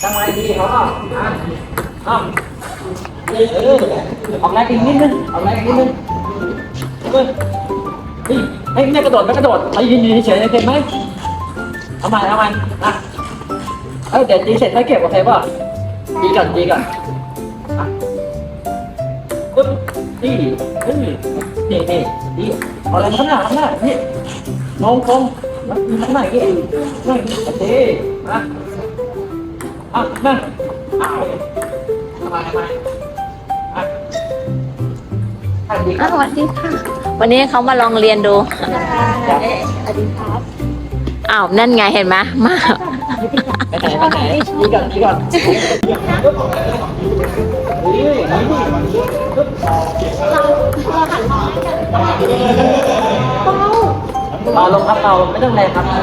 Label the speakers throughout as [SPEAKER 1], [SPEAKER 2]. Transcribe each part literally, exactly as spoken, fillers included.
[SPEAKER 1] ทำไมดีเขาอ่ะอ่ะเออออกแรงอีกนิดนึงออกแรงอีกนิดนึงเฮ้ยเฮ้ยไม่กระโดดไม่กระโดดไปยืนยืนเฉยๆเห็นไหมเอาใหม่เอาใหม่อ่ะเอ้ยเดี๋ยวตีเสร็จให้เก็บโอเคป่ะตีก่อนตีก่อนอ่ะปึ๊บตีเฮ้ยนี่นี่ตีเอาอะไรข้างหน้าข้างหน้านี่งงงงมันมีข้างหน้ากี่นั่นโอเคอ่ะอ่ะนั่นอ้าวทำไมทำไมอ่ะสวัสดีค
[SPEAKER 2] อ้า
[SPEAKER 1] รั
[SPEAKER 2] ว
[SPEAKER 1] บ
[SPEAKER 2] สวัสดีค่ะ วันนี้เขามาลองเรียนดู
[SPEAKER 1] สวัสดีครับ
[SPEAKER 2] อ้าว นั่นไงเห็นไหมมา
[SPEAKER 1] ไปไหนไปไหนดีก่อนดีก่อนเฮ้ยนี่ปึ๊บเบาลงครับเบาไม่ต้องแรงครับ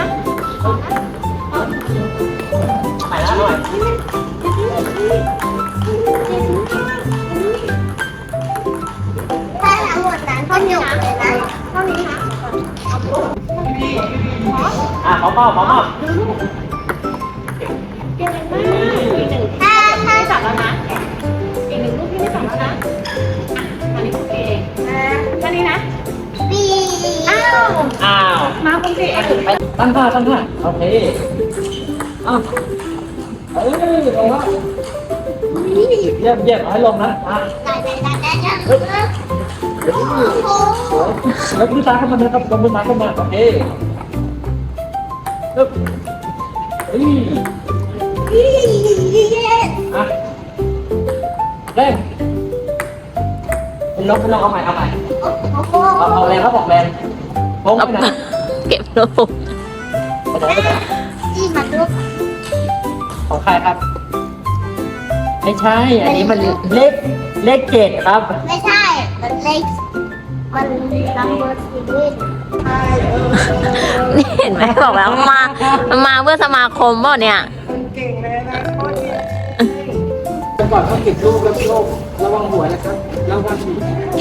[SPEAKER 1] ใหม่นะหน่อย
[SPEAKER 3] ถ้าทั้งหมดนั้นเท่านี้นะเท่านี้นะ
[SPEAKER 1] อ่ะขอเบาขอเบา
[SPEAKER 3] ถ้าถ้าจับ
[SPEAKER 4] แล้วนะอีกหนึ่งรูปที่ไม่จับแล้วนะอ่ะอันนี้คุณเองแค่นี้นะ
[SPEAKER 3] ปี
[SPEAKER 4] อ้าว
[SPEAKER 1] อ้าว
[SPEAKER 4] มาคุณเอง
[SPEAKER 1] ไปตั้งท่าตั้งท่าโอเคอ้าวเอ้ยลงแล้วเยี่ยมเยี่ยมให้ลงนะอ่ะ
[SPEAKER 3] ได้ได้ได้ได้ได้
[SPEAKER 1] เฮ้ย
[SPEAKER 3] โอ้โห
[SPEAKER 1] แล้วมือซ้ายเข้ามานะครับลงมือซ้ายเข้ามาโอเคปึ๊บเฮ้ยอ่ะเร่งเป็นลงเป็นลงเอาใหม่เอาใหม่เอาเอาแรงครับออกแรงโค้งไปไหน
[SPEAKER 2] เก็บรูป
[SPEAKER 1] ไปไหนไปไหน
[SPEAKER 3] จีมาดู
[SPEAKER 1] ของใครครับไม่ใช่อันนี้มันเลขเลขเจ็ดครับ
[SPEAKER 3] ไม่ใช่ มันเล็กมันนัมเบอร์ซีรีส์
[SPEAKER 2] นี่เห็นไหมบอกแล้วมา มาเพื่อสมาคมเปล่าเนี่ย
[SPEAKER 1] ก่อนต้องเก็บลูกแล้วลูกระวังหัวนะครับระวังหั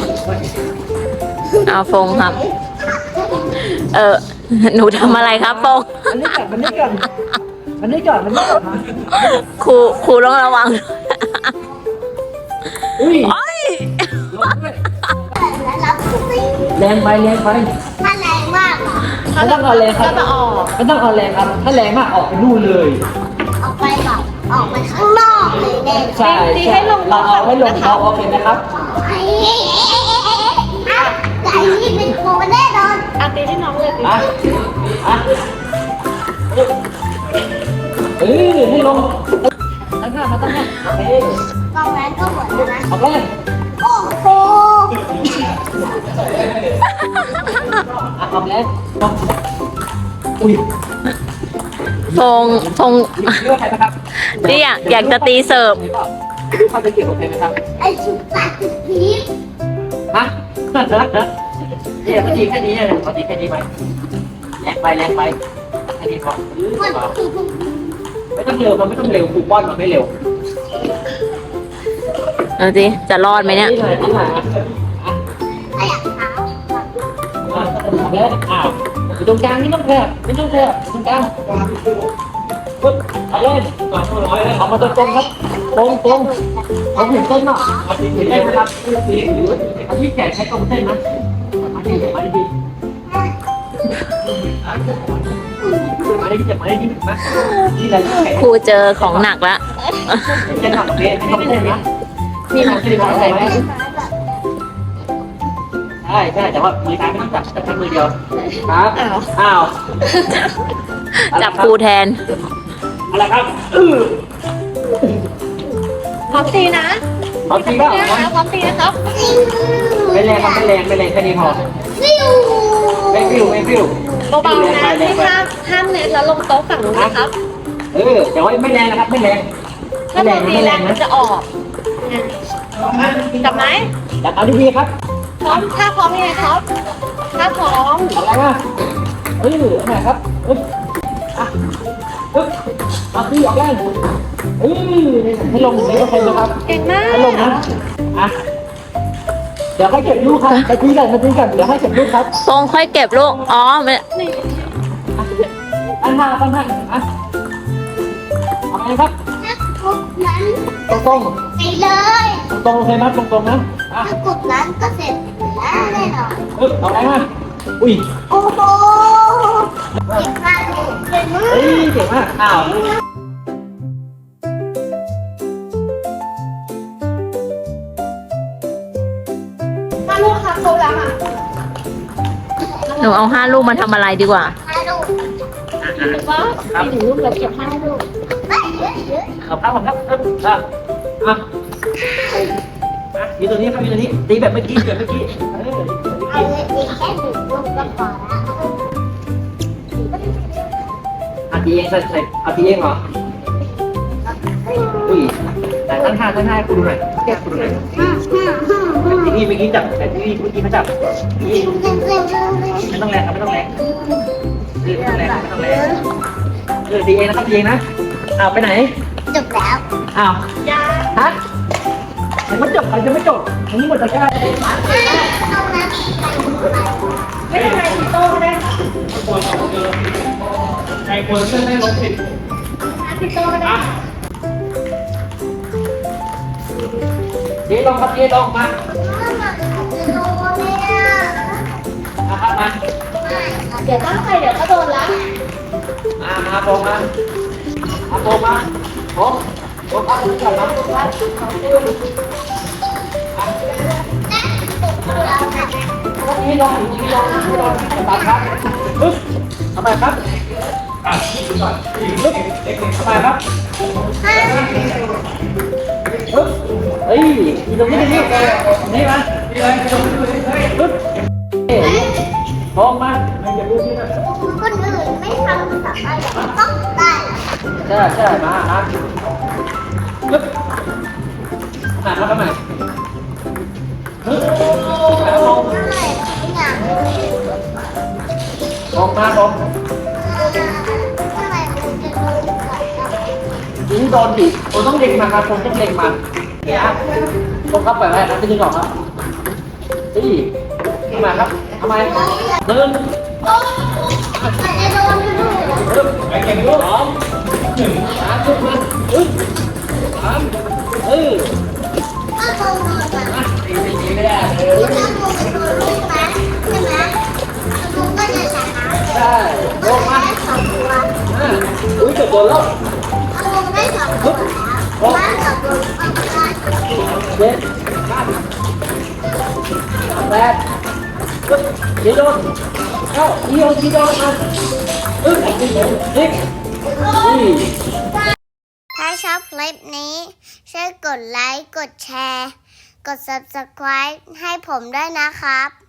[SPEAKER 1] ว
[SPEAKER 2] เอาฟงครับ เออ หนูทำอะไรครับฟง
[SPEAKER 1] มันนี่ก่อนมันนี่ก่อนมันนี่ก่อนมันนี่ก่อน
[SPEAKER 2] ครูครูต้องระวัง
[SPEAKER 1] อุ้ย
[SPEAKER 2] โอ้ย
[SPEAKER 3] แล้วรับซี
[SPEAKER 1] แรงไปแรงไป
[SPEAKER 3] ถ้าแรงมากอ่ะ
[SPEAKER 1] ไม่ต้องเอาแรงครับ
[SPEAKER 4] ก็จะออก
[SPEAKER 1] ไม่ต้องเอาแรงครับ ถ้าแรงมากออกไปนู่นเลย
[SPEAKER 3] ออกไปแบบออกไปข้างนอกเลยเด่น
[SPEAKER 1] ใช่ใช่เราเอาให้ลงเราโอเคไหมครับ
[SPEAKER 3] ไอ้อ่ะไก่ที่เป็นโคแน่นอน
[SPEAKER 4] อาตีให้น้องเลยสิ
[SPEAKER 1] อ่ะอ่ะเออให้ลงตั้งท่ามาตั้งท่าโอเค
[SPEAKER 3] กองแรงก็เหมือนกันนะ
[SPEAKER 1] ออกแรง
[SPEAKER 3] โอ้โห
[SPEAKER 1] อ่ะออกแรงอุ้ย
[SPEAKER 2] ฟงฟง
[SPEAKER 1] เลือกใครนะครับ
[SPEAKER 2] นี่อยากอยากจะตีเสิร์ฟ
[SPEAKER 1] ดูเข้าจะเกี่ยวกับใครไหมครับ
[SPEAKER 3] ไอ้ชุดตัดชุดพีช
[SPEAKER 1] ฮะเนี่ยพอดีแค่นี้เลยพอดีแค่นี้ไปแรงไปแรงไปแค่นี้พอ
[SPEAKER 3] มัน
[SPEAKER 1] ไม่ต้องเร็วมันไม่ต้องเร็วคูปอนมันไม่เร็ว
[SPEAKER 2] เอาสิจะรอดไหมเนี่ย
[SPEAKER 1] นี่หน่อยนี่หน่อยอ่ะ
[SPEAKER 3] ไอ้อะเท้า
[SPEAKER 1] อ่ะแล้วอ้าวอยู่ตรงกลางนี่ต้องแคบไม่ต้องแคบตรงกลางปึ๊บเอาเล่นเอามาตรงตรงครับตรงตรงผมเห็นเส้นเนาะเห็นเส้นนะครับเอาที่แขนใช้ตรงเส้นนะมาดีมาดีมาดีจะมาดีมานี่แหละแขน
[SPEAKER 2] ครูเจอของหนักแล้ว
[SPEAKER 1] จะทำเองทำเองนะมีทำสิริมงคลไหมใช่ใช่แต่ว่ามือซ้ายไม่ต้องจับจับแค่มือเดียวครับอ้าว
[SPEAKER 2] จับครูแทน
[SPEAKER 1] อะไรครับเออ
[SPEAKER 4] พร้อมตีนะ
[SPEAKER 1] เอาจริงเปล่า
[SPEAKER 4] พร้อมตีนะครับ
[SPEAKER 1] ไม่แรงครับไม่แรงไม่แรงแค่นี้พอ
[SPEAKER 3] ฟิว
[SPEAKER 1] ไม่ฟิวไม่ฟิว
[SPEAKER 4] เบาๆนะที่ห้ามห้ามเน็ตแล้วลงโต๊ะฝั่งนู้นนะครับ
[SPEAKER 1] เออแต่ว่าไม่แรงนะครับไม่แรง
[SPEAKER 4] ถ้า
[SPEAKER 1] ไม่แร
[SPEAKER 4] เรา
[SPEAKER 1] ง
[SPEAKER 4] ตี
[SPEAKER 1] ไม่
[SPEAKER 4] แร
[SPEAKER 1] แรง ง
[SPEAKER 4] มั
[SPEAKER 1] นะ
[SPEAKER 4] นจะออกจับไหม
[SPEAKER 1] จับเอาดีๆครับ
[SPEAKER 4] พร้อมถ้าพร้อมยังไงครับ ถ้าพร้อม
[SPEAKER 1] เอาอะไรมาเออเอาไหนครับปึ๊บอ่ะปึ๊บเอาตีออกแรงเออให้ลงอย่างนี้โอเคไหมครับ
[SPEAKER 4] เก่งมาก
[SPEAKER 1] ให้ลงนะอ่ะเดี๋ยวให้เก็บลูกครับไปคุยกันมาคุยกันเดี๋ยวให้เก็บลูกครับ
[SPEAKER 2] ฟงค่อยเก็บลูก อ๋อไม่
[SPEAKER 1] ตั้งท่าตั้งท่าอ่ะเอาไปไงครับ
[SPEAKER 3] ถ้ากดนั้น
[SPEAKER 1] ตรงตรง
[SPEAKER 3] ไปเลย
[SPEAKER 1] ตรงๆโอเคไหมตรงตรงๆนะอ่ะ
[SPEAKER 3] ถ้ากดนั้นก็เสร็จแล้วแน่นอน
[SPEAKER 1] ปึ๊บเอาแรงมาอุ้ย
[SPEAKER 3] โอ้โหเก่งมากเลยเก่งมา
[SPEAKER 1] เฮ้ย
[SPEAKER 3] ก
[SPEAKER 1] เก่งมากอ้าว
[SPEAKER 4] ถ้าลูกค่ะครบแล้วอ่ะ
[SPEAKER 2] หนูเอาห้าลูกมาทำอะไรดีกว่า
[SPEAKER 3] ฮัลโหล
[SPEAKER 4] ถือว่ามีหนึ่งลูกเหลือเก็บห้าลูก
[SPEAKER 3] เฮ้ยเฮ้ยเฮ้ย
[SPEAKER 1] เอาครับผมครับครับอ่ะอ่ะอ่ะมีตัวนี้ครับมีตัวนี้ตีแบบเมื่อกี้แบบเมื่อกี้เออ
[SPEAKER 3] เอาเลยอีกแค่หนึ่งลูกก็พอละ
[SPEAKER 1] อ่ะตีเองใส่ใส่เอาตีเองเหรออุ้ยแต่ตั้งท่าตั้งท่าให้คุณดูหน่อยแก้คุณดูหน่อย
[SPEAKER 3] อืมอืมอืมอืม
[SPEAKER 1] ที่นี่เมื่อกี้จับแต่ที่นี่เมื่อกี้เขาจับนี่
[SPEAKER 3] เก่งเก่งเก่งเก่ง
[SPEAKER 1] ไม่ต้องแรงครับไม่ต้องแรงเออไม่ต้องแรงไม่ต้องแรงเออตีเองนะครับตีเองนะอ้าวไปไหน
[SPEAKER 3] จบแล้ว
[SPEAKER 1] อ้าวฮะยังไม่จบใครจะไม่จบอันนี้หมดตะกร้า
[SPEAKER 3] เอาน้ำไป
[SPEAKER 4] ไม่เป็นไรติโต้ก็ได้ค่ะ
[SPEAKER 1] ใครควรเชื่อได้ลบสิบ
[SPEAKER 4] ติโต้ก็ได้
[SPEAKER 1] เจ๊ลงครับเจ๊ลงมา
[SPEAKER 3] จะโดนเนี่ย
[SPEAKER 1] มาครับมา
[SPEAKER 4] เดี๋ยวตั้งใจเดี๋ยวก็โดนละ
[SPEAKER 1] มามาโปมามาโปมาโปโปครับผมก่อนนะโปครับนี่ลงนี่ลงนี่ลงตัดครับปึ๊บทำไมครับอ่ะก่อนปึ๊บทำไมครับปึ๊บเฮ้ยนี่ตรงนี้นี่นี่มานี่เลยปึ๊บเฮ้ยมองมาไม่จะดูที่นั่น
[SPEAKER 3] คนอื่นไม่ทำสามารถต้องได้
[SPEAKER 1] ใช่ใช่มาครับปึ๊บอ่านมาทำไมปึ๊บแล้วมอง
[SPEAKER 3] ได้อย่าง
[SPEAKER 1] มองมาลง
[SPEAKER 3] ทำไมมันจะโดนก่อนครับ
[SPEAKER 1] ยิงโดนดิผมต้องเล็งมาครับผมต้องเล็งมาเนี่ยผมเข้าไปไว้นะไม่ยิงหรอกครับสี่ทำไมครับทำไมหนึ่ง
[SPEAKER 3] มันจะโดนอยู่ด้วย
[SPEAKER 1] ปึ๊บไปเก่งลูกสองหนึ่งสามปึ๊บมาปึ๊บสามเออ
[SPEAKER 3] ถ้าโดนมา
[SPEAKER 1] มาตีตีตีไม่ได้เลย
[SPEAKER 3] ถ้าโดนเป็นตัวลูกนะใช่ไหมโดนก็จะชนะ
[SPEAKER 1] ใช่ล
[SPEAKER 3] ก็
[SPEAKER 1] ง
[SPEAKER 3] จะ
[SPEAKER 1] มา
[SPEAKER 3] ได้สองตัว
[SPEAKER 1] อ่าอุ้ยเกือบโดนแล้ว
[SPEAKER 3] ถ้าโดนได้สองตัวแล้วบ้านกับโดนก็จะได้
[SPEAKER 1] เจ็ดห้าแปดปึ๊บยิงโดนเอ้ายิงโดนยิงโดนมาปึ๊บยิงโดนยิงนี่
[SPEAKER 3] ถ้าชอบคลิปนี้ช่วยกดไลค์ กดแชร์ กด ซับสไครบ์ ให้ผมด้วยนะครับ